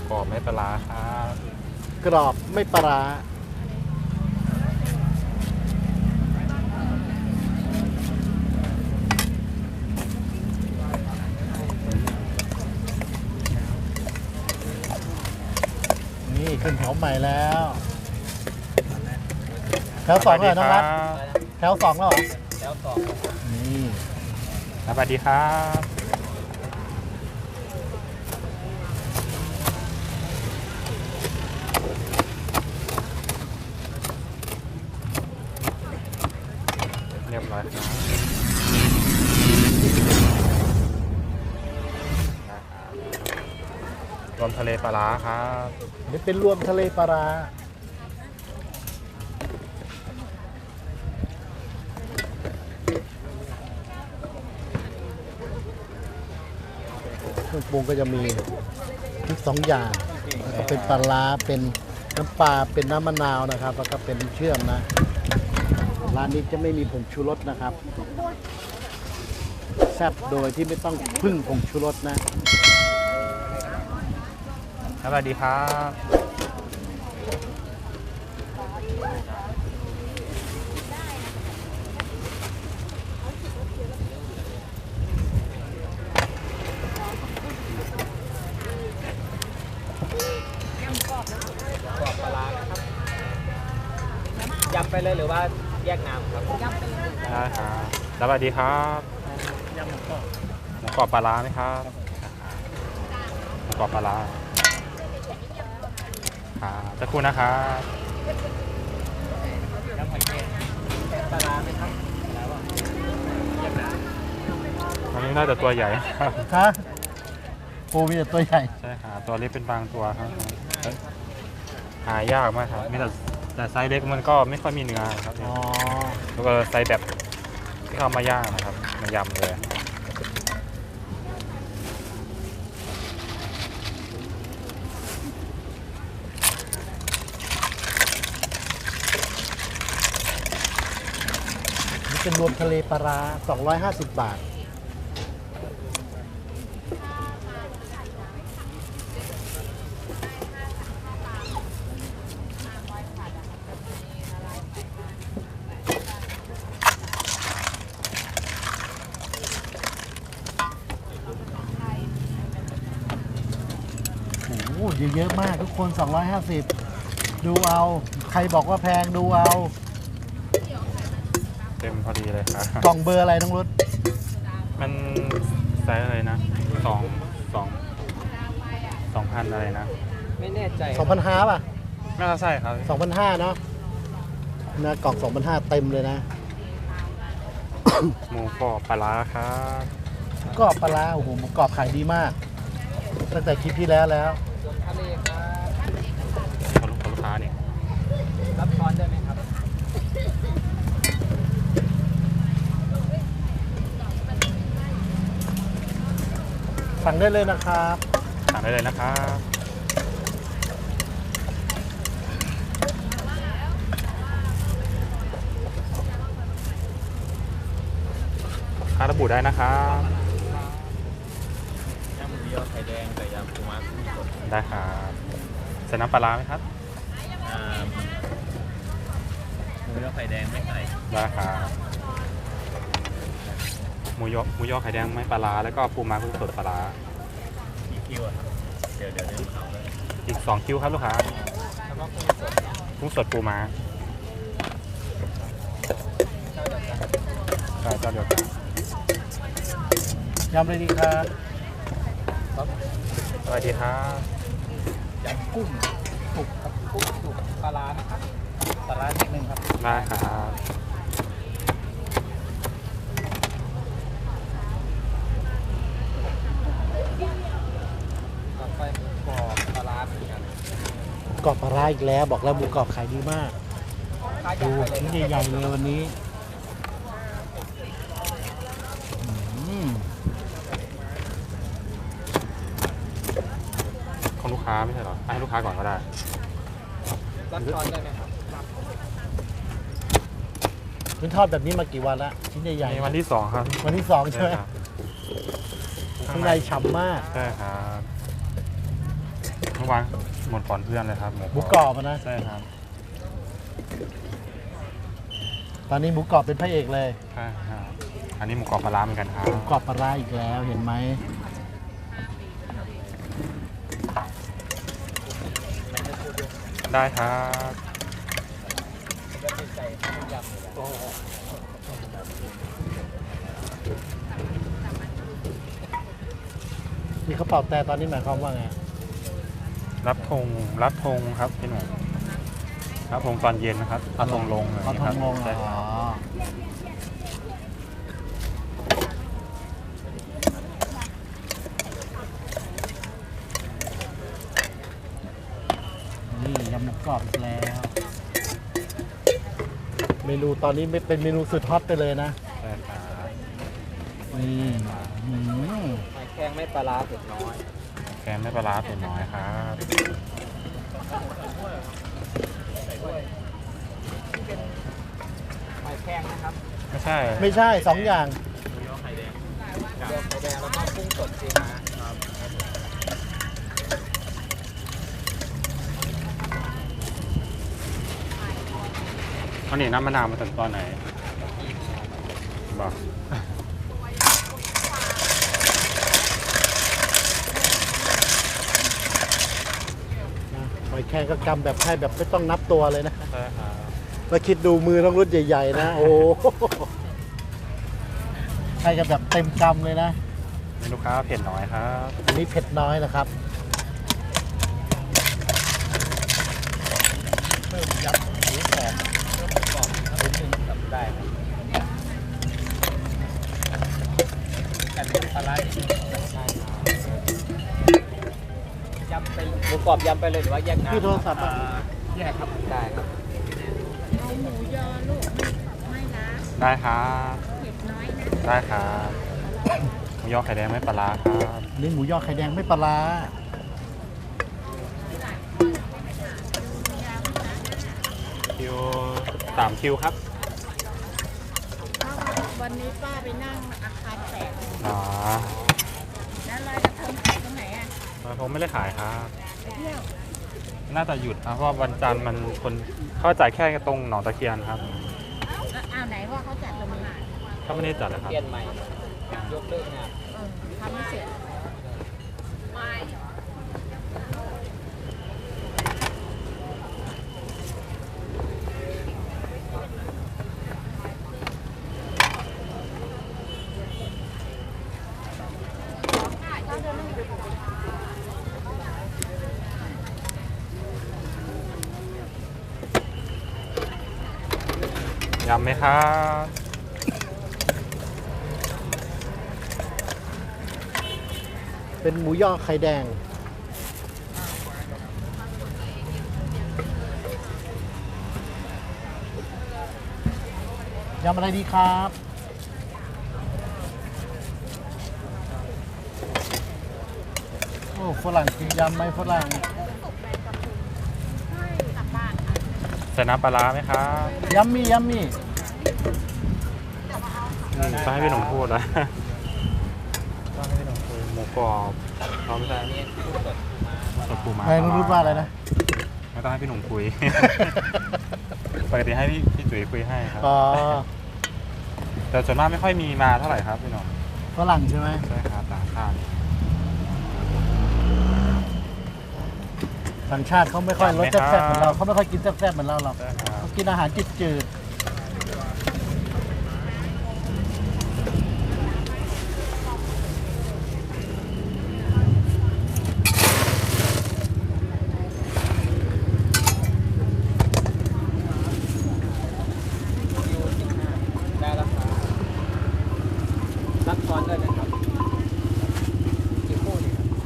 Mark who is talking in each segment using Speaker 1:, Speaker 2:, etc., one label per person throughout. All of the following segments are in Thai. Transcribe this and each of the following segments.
Speaker 1: กรอบไม่ปลาร้าครับ
Speaker 2: กรอบไม่ปลาร้านี่ขึ้นแถวใหม่แล้วแถวสองเลยน้องรัฐแถวสองแล้วเหรอ
Speaker 3: แล้วต่อ
Speaker 2: นี่
Speaker 1: สวัสดีครับ เรียบร้อยครับรวมทะเลปลาร้าครับ
Speaker 2: นี่เป็นรวมทะเลปลาร้าเครื่องปรุงก็จะมีพริก2 อย่างแล้วก็เป็นปลาร้าเป็นน้ำปลาเป็นน้ำมะนาวนะครับ แล้วก็เป็นเชื่อมนะร้านนี้จะไม่มีผงชูรสนะครับแซ่บโดยที่ไม่ต้องพึ่งผงชูรสนะ
Speaker 1: สวัสดีครับ
Speaker 3: กรอบปลาร้านะครับยำไปเลยหรือว่าแยกน้ำครับยำไปเลย
Speaker 1: ได้ครับสวัสดีครับ
Speaker 2: ยำหมูกรอบ
Speaker 1: หมูกรอบปลาร้าไหมครับหมูกรอบปลาร้าครับสักครู่นะครับ
Speaker 3: ยำหอยแครงปลาร้าไหมครับแล้วอ่ะแยกน้
Speaker 1: อันนี้น่าจะตัวใหญ่
Speaker 2: ฮะปูมีแต่ตัวใหญ่
Speaker 1: ใช่ครับตัวเล็กเป็นบางตัวครับหายากมากครับมีแต่ไซส์เล็กมันก็ไม่ค่อยมีเนื้อครับ
Speaker 2: อ๋อ
Speaker 1: แล้วก็ไซส์แบบที่เขามาย่างนะครับมายำเลย
Speaker 2: นี่เป็นรวมทะเลปลาร้า250 บาท โอ้โหเยอะๆมากทุกคน 250 ดูเอา ใครบอกว่าแพงดูเอา
Speaker 1: เต็มพอดีเลยครับ
Speaker 2: กล่องเบอร์อะไรน้องรุด
Speaker 1: มันไซส์อะไรนะ2,000อะไรนะ
Speaker 3: ำไม่แน่ใจ
Speaker 2: 2,500 ป่ะ
Speaker 1: น่าจะใช่ครับ
Speaker 2: 2,500 เนาะนะกล่อง 2,500 เต็มเลยนะ
Speaker 1: หมูกรอบปลาร้าครับ
Speaker 2: กรอบปลาร้าโอ้โหหมูกรอบขายดีมาก ตั้งแต่คลิปที่แล้วแล้ว
Speaker 3: ส่วนทะเลครับ
Speaker 1: ของลูกค้าเนี่ย
Speaker 3: รับช้อนได้ไหมครับ
Speaker 2: สั่งได้เลยนะครับ
Speaker 1: สั่งได้เลยนะครับค่าระบุได้นะครับ
Speaker 3: ยำหมูยอไข่แดงกับยำปูม้ากุ้งสด
Speaker 1: ได้ครับใส่น้ำปลาร้าไหมครับ
Speaker 3: หมูยอไข่แดงไม่ไข่
Speaker 1: ได้ครับหมูยอไข่แดงไม่ปลาร้าแล้วก็ปูม้ากุ้งสดปลาร้า
Speaker 3: กี่คิวอะครับเดี๋ยวเขาเลย
Speaker 1: อีก2คิวครับลูกค้า
Speaker 3: แล้วก็กุ้งสด
Speaker 1: กุ้งสดปูม้า
Speaker 3: เจ้าเดียวกัน
Speaker 1: ใช่เจ้าเดียวกัน
Speaker 2: ยำเลยดีครับ
Speaker 3: ครับ
Speaker 1: สวัสดีครับ
Speaker 3: ยำกุ้งสุกครับกุ้งสุกปลาร้านะครับปลาร้านิดนึงครับ
Speaker 1: ได้ครับ
Speaker 3: ต่อไปหมูกรอบปลาร้าเหมือนกัน
Speaker 2: กรอบปลาร้าอีกแล้ว บอกแล้วหมูกรอบขายดีมาก
Speaker 3: ค่า
Speaker 2: ดู
Speaker 3: ยำไปเลย
Speaker 2: ชิ้นใหญ่ๆเลยวันนี้อืม
Speaker 1: ของลูกค้าไม่ใช่เหรอให้ลูกค้าก่อนก็ได้
Speaker 3: รับช้อนได้ไหมครับ
Speaker 2: คุณทอดแบบนี้มากี่วันละชิ้นใหญ่
Speaker 1: ใน
Speaker 2: ๆ
Speaker 1: วันที่ 2 ครับ
Speaker 2: วันที่ 2 ใช่ไหม
Speaker 1: ครับ
Speaker 2: ข้างในฉ่ำมาก
Speaker 1: ใช่ครับเมื่อวานหมดก่อนเพื่อนเลยครับ
Speaker 2: หมูกรอบอะนะ
Speaker 1: ใช่ครับ
Speaker 2: ตอนนี้หมูกรอบเป็นพระเอกเลย
Speaker 1: ใช่ครับอันนี้หมูกรอบปลาร้าเหมือนกันครับ
Speaker 2: หมูกรอบปลาร้าอีกแล้วเห็นไหม
Speaker 1: ได้ครับ
Speaker 2: มีกระเป๋าแต่ตอนนี้หมายความว่าไง
Speaker 1: รับธงครับพี่หนุ่มรับธงตอนเย็นนะครับเอาธงลงเลย
Speaker 2: เอาทงลง
Speaker 1: ใช่
Speaker 2: อ๋
Speaker 1: ค
Speaker 2: อ
Speaker 1: รับ
Speaker 2: นี่ยำหมูกรอบอีกแล้ว เมนูตอนนี้ไม่เป็นเมนูสุดฮอตไปเลยนะ
Speaker 1: ใช่ครับ
Speaker 2: นี่อืม
Speaker 3: หอยแครงไม่ปลาร้าเผ็ดน้อย
Speaker 1: แกงไม่ปลาร้าเป็นน้อยครับ
Speaker 3: หอยแครงนะครับ
Speaker 1: ไม่ใช่
Speaker 2: ไม่ใช่สองอย่าง
Speaker 3: เดี๋ยวไข่แดงแล้วก็กุ้งสดซีมาครับ
Speaker 1: อันนี้น้ำมะนาวมาถึงตอนไหนบอก
Speaker 2: หอยแครงก็กำแบบให้แบบไม่ต้องนับตัวเลยนะ
Speaker 1: ใช่ครับ
Speaker 2: แล้วคิดดูมือต้องรุ่นใหญ่ ๆ นะ โอ้โหให้กันแบบเต็มกำเลยนะ
Speaker 1: มีลูกค้าเผ็ดน้อยครับ
Speaker 2: อันนี้เผ็ดน้อยนะครับเพิ่มยับหมูกรอบ
Speaker 3: กรอบครับนิดนึงทำได้ครับกันเป็นปลาร้านิดนึงใช่ครับยำไปหมูกรอบยำไปเลยหรือว่าแยกน้ำ
Speaker 2: พี่โทรศัพท์อะ
Speaker 3: แยกครับได้ครับ
Speaker 4: เอาหมูยอลูกไม่ละ
Speaker 1: ได้ครับ
Speaker 4: เผ็ดน้อยนะ
Speaker 1: ได้ครับหมูยอไข่แดงไม่ปลาร้าครับ
Speaker 2: อันนี้หมูยอไข่แดงไม่ปลาร้า
Speaker 1: คิว3 คิวครับ
Speaker 4: เพราะว่าวันนี้ป้าไปนั่งอาคารแตก
Speaker 1: อ๋อ
Speaker 4: แล้วลอยกระทงขายตรงไหนอ่ะ
Speaker 1: ผมไม่ได้ขายครับ
Speaker 4: ไปเที่ยว
Speaker 1: น่าจะหยุดนะเพราะว่าวันจันทร์มันคนเขาจ่ายแค่ตรงหนองตะเคียนครับ
Speaker 4: แล้วอ้าวไหนว่าเขาจัดตรงนี้
Speaker 1: เขาไม่ได้จัดเลยครับ
Speaker 3: เปลี่ยนใหม่ยกเลิกงาน
Speaker 4: ทำไม่เสร็จ
Speaker 1: ยำไหมครับ
Speaker 2: เป็นหมูยอไข่แดง ยำอะไรดีครับ โอ้ฝรั่งกินยำไหมฝรั่ง
Speaker 1: ใส่น้ำปลาร้าไหมครับ
Speaker 2: ยัมมี่ยัมมี่
Speaker 1: ต้องให้พี่หนุ่มพูดนะต้องให้พี่หนุ่มพูดหมูกรอบเราไม่ได้
Speaker 3: อันนี้กุ้งสดมา
Speaker 1: สดปูม้า
Speaker 2: ใครรู้ว่าอะไรนะ
Speaker 1: ไม่ต้องให้พี่หนุ่มคุย ปกติให้พี่จุ๋ยคุยให้ครับ
Speaker 2: อ๋อ
Speaker 1: แต่ส่วนมากไม่ค่อยมีมาเท่าไหร่ครับพี่หนุ่ม
Speaker 2: ฝรั่งใช่ไหม
Speaker 1: ใช่ครับต่างชาติ
Speaker 2: ต่างชาติเขาไม่ค่อยรสแซ่บๆเหมือนเราเขาไม่ค่อยกินแซ่บๆเหมือนเราหรอก
Speaker 1: ใช่ครับ
Speaker 2: เขากินอาหารจืดๆ
Speaker 3: ยู15ได้แล้วครับรับช้อนด้วยนะครับกี่คู่ดีครับ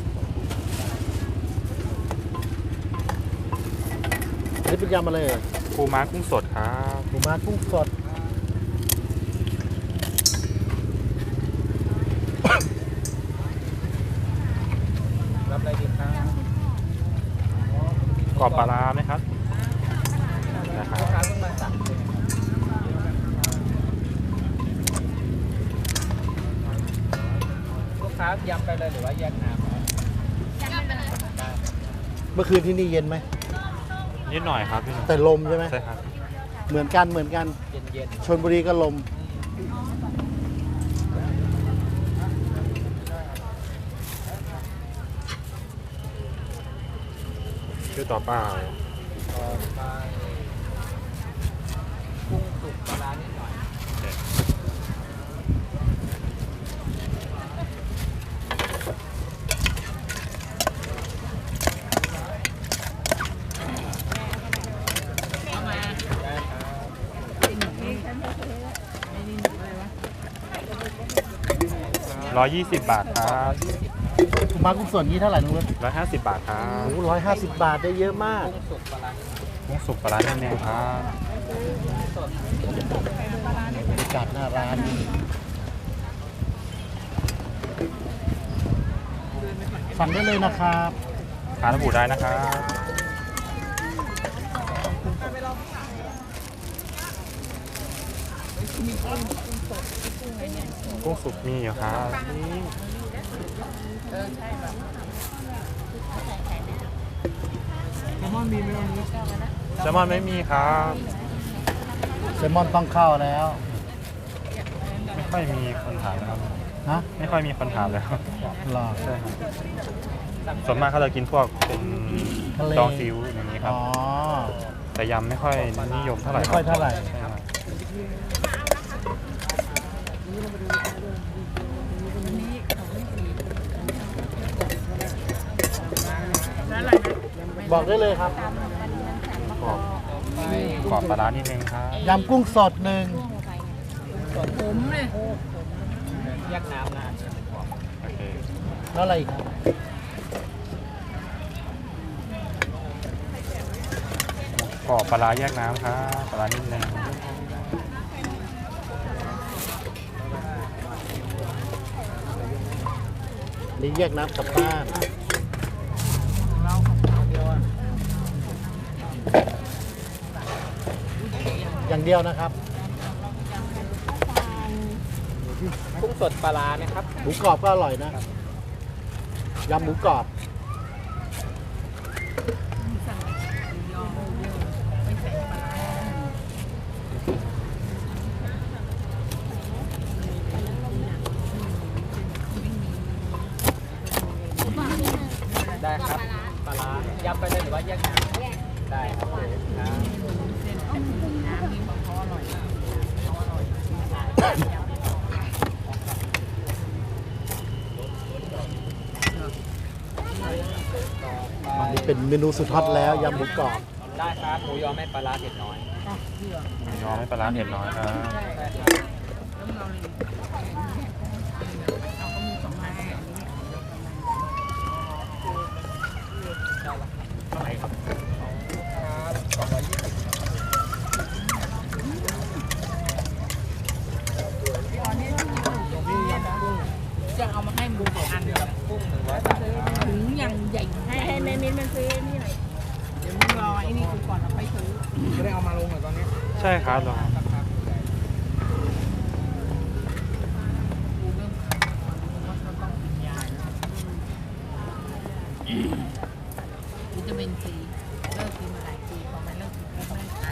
Speaker 2: อันนี้เป็นยำอะไรเอ่ย
Speaker 1: ปูม้ากุ้งสดครับ
Speaker 2: หมูม้ากุ้งสด
Speaker 3: รับอะไรดีครับ
Speaker 1: กรอบปลาร้าไหมครับนะครับ
Speaker 3: ลูกค้าเพิ่งมาสั่งใช่ไหมครับลูกค้ายำไปเลยหรือว่าแยกน้ำครับ
Speaker 4: ยำไปเลย
Speaker 3: ได้
Speaker 2: เมื่อคืนที่นี่เย็นไหม
Speaker 1: นิดหน่อยครับพี่หนุ่ม
Speaker 2: แต่ลมใช่ไหม
Speaker 1: ใช่ครับ
Speaker 2: เหมือนกันเหมือนกัน
Speaker 3: เย็น
Speaker 2: ชลบุรีก็ลม
Speaker 1: ชื่อต่อไป
Speaker 3: ๆต่อไปกุ้งสุกปลาร้านิดหน่อยได้ครับ
Speaker 1: 120 บาทครับ
Speaker 2: คุณมากุ้งสดนี้เท่าไหร่น้องรถ
Speaker 1: 150 บาทครับ
Speaker 2: โอ้150 บาทได้เยอะมาก
Speaker 3: กุ้งสุกปลาร้า
Speaker 1: กุ้งสุกปลาร้าแน่นๆครับ
Speaker 3: สด
Speaker 2: บรรยากาศหน้าร้านนี่สั่งได้เลยนะครับ
Speaker 1: ทานระบุได้นะครับ กุ้งสุกมีอยู่ครับแซลมอนไม่มีครับ
Speaker 2: แซลมอนต้องเข้าแล้ว
Speaker 1: ไม่ค่อยมีคนถามแล้วครับ
Speaker 2: ฮะ
Speaker 1: ไม่ค่อยมีคนถามแล้ว
Speaker 2: หรอ
Speaker 1: ใช่ครับส่วนมากเขาจะกินพวกเป็น
Speaker 2: ทะเล
Speaker 1: ดองซีอิ๊วอย่างนี้ครับ
Speaker 2: อ๋อ
Speaker 1: แต่ยำไม่ค่อยนิยมเท่าไหร่
Speaker 2: ไม่ค่อยเท่าไหร่
Speaker 1: ใช่ครับ
Speaker 2: บอกได้เลยครับ
Speaker 1: กรอบปลาร้านิดนึงครับ
Speaker 2: ยำกุ้งสดหนึ่ง
Speaker 4: ผมเลย
Speaker 3: แยกน้ำนะ
Speaker 1: โอเค
Speaker 2: แล้วอะไรอีกครับ
Speaker 1: กรอบปลาร้าแยกน้ำครับปลาร้านิดนึง
Speaker 2: นี่แยกน้ำกลับบ้านอย่างเดียวนะครับ
Speaker 3: กุ้งสดปลาร้านะครับ
Speaker 2: หมูกรอบก็อร่อยนะ ยำหมูกรอบ
Speaker 3: ได้ครับปลาร้ายำไปเลยหรือว่าแยกน้ำได้ครับครับ
Speaker 2: อันนี้เป็นเมนูสุดฮอตแล้วยำหมูกรอบ
Speaker 3: ได้ครับหมูยอไม่ปลาร้าเผ็ดน้อย
Speaker 1: หมูยอไม่ปลาร้าเผ็ดน้อยครับ
Speaker 3: ได้ครับเท่าไหร่ครับ220
Speaker 4: จะเอามาให้มึง2 อันเลย
Speaker 3: กุ้ง100 บาทครับ
Speaker 4: ถุงอย่างใหญ่ให้แม่มิ้นมันซื้อนี่หน่อยเดี๋ยวมึงรอไอ้นี่กูก่อนเราไปซื้อ
Speaker 3: ไม่ได้เอามาลงเหรอตอนนี้
Speaker 1: ใช่ครับลอง
Speaker 4: วิตามินซีเลิกกินมาหลายปีพอมันเลิกกินปุ๊บไม่ขาย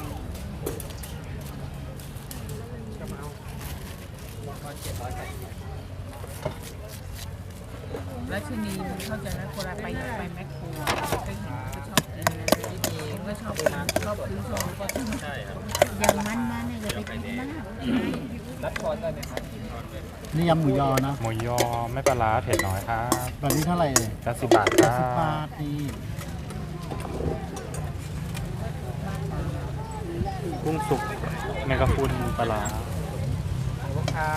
Speaker 4: แล้วชนีมันเข้าใจนะคนละไปแมคโครก็เห็นก็ชอบกินนะก็ชอบซื้อโชว์ก็ซื้อใช่ครับอย่างมันเนี่ยอย่าไปกินมาก
Speaker 3: รับช้อนได้ไหมครับ
Speaker 2: นี่ยำหมูยอนะ
Speaker 1: หมูยอไม่ปลาร้าเผ็ดน้อยครับ
Speaker 2: แบบนี้เท่าไหร่เลย
Speaker 1: 80 บาทครั
Speaker 2: 80 บา
Speaker 1: บ
Speaker 2: ทนี่
Speaker 1: กุ้งสุกแมงกะพรุนปลาร้า
Speaker 3: ของลูกค้า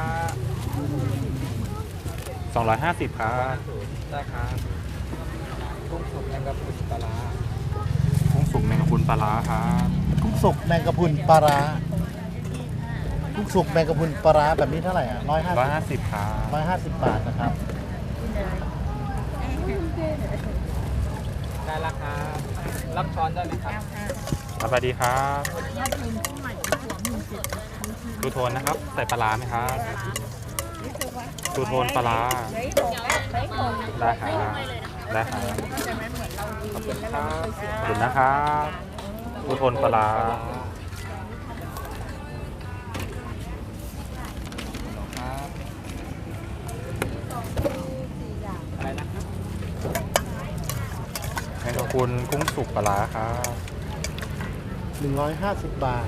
Speaker 1: 250ครับ
Speaker 3: ได้ครับกุ้งสุกแมงกะพรุนปลาร้า
Speaker 1: กุ้งสุกแมงกะพรุนปลาร้าครับ
Speaker 2: กุ้งสุกแมงกะพรุนปลาร้ากุ้งสุกแมงกะพรุนปลาร้าแบบนี้เท่าไหร่อ่ะ
Speaker 1: 150ครับ
Speaker 2: 150 บาทนะครับ
Speaker 3: ได้ราคารับช้อนได้ไหมครับ
Speaker 1: สวัสดีครับทูโทนนะครับ ใส่ปลาร้าไหมครับทูโทนปลาร้าได้ครับได้ครับ
Speaker 4: ใช่ไหมเหมือนเรากิน
Speaker 3: ขอบคุณ
Speaker 4: แล้ว
Speaker 3: ค
Speaker 4: เรา
Speaker 3: รับ
Speaker 4: ไม่เคยเสีย
Speaker 1: ขอบคุณนะครับผู้ทนปลาร้า
Speaker 3: ครับอะไรนะครับ
Speaker 1: แมงกะพรุนกุ้งสุกปลาร้าครับ
Speaker 2: 150 บาท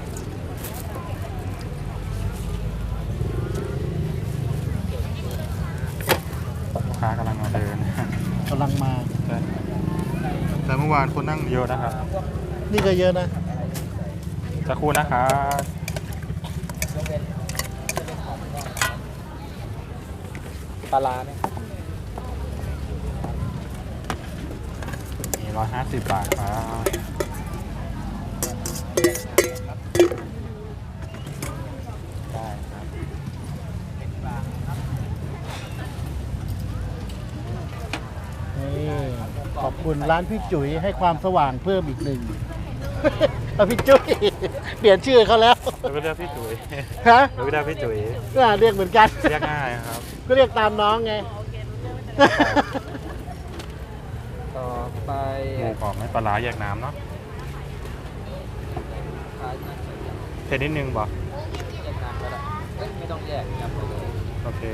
Speaker 1: ลูกค้ากำลังมาเดิน
Speaker 2: กำลังมา
Speaker 1: แต่เมื่อวานคนนั่งเยอะนะครับ
Speaker 2: นี่ก็เยอะนะ
Speaker 1: สักครู่นะครับ
Speaker 3: ปลาร้าไหมครับ
Speaker 1: มี150 บาทครับ
Speaker 3: ได้ครับ
Speaker 2: นี่ขอบคุณร้านพี่จุ๋ยให้ความสว่างเพิ่มอีกหนึ่ง เอาพี่จุ๋ยเปลี่ยนชื่อเขาแล้ว
Speaker 1: เราก็เรียกพี่จุ๋ย
Speaker 2: ฮะ
Speaker 1: เราก็เรียกพี่จุ๋ย
Speaker 2: เรียกเหมือนกัน
Speaker 1: เรียกง่ายครับ
Speaker 2: ก็เรียกตามน้องไง
Speaker 3: ต่อไป
Speaker 1: หมูกรอบไม่ปลาร้าแยกน้ำเนาะเผ็ดนิดนึงบ่
Speaker 3: แยกน้ำก็ได้เอ้ยไม่ต้องแยกยำไปเลย
Speaker 1: โอเค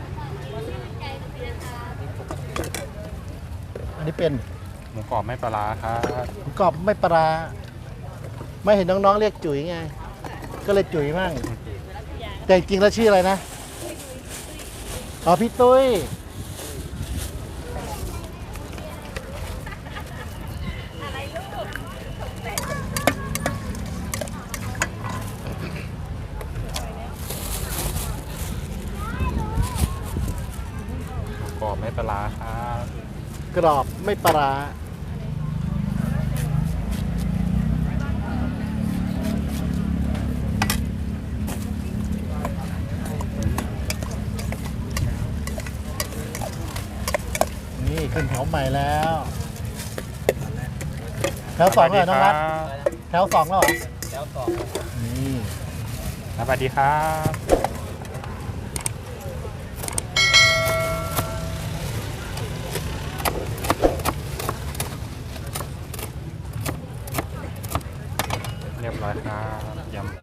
Speaker 2: อันนี้เป็น
Speaker 1: หมูกรอบไม่ปลาร้าครับ
Speaker 2: หมูกรอบไม่ปลาร้าไม่เห็นน้องๆเรียกจุ๋ยไง ก็เลยจุ๋ยมั่งแต่จริงๆแล้วชื่ออะไรนะ อ๋อพี่ตุ้ย
Speaker 1: หมูกรอบไม่ปลาร้าครับ
Speaker 2: กรอบไม่ปลาร้านี่ขึ้นแถวใหม่แล้วแถวสองแล้วเหรอน้องรัฐแถวสองแล้วเหรอ
Speaker 3: แล้วต่อ
Speaker 2: นี่
Speaker 1: สวัสดีครับ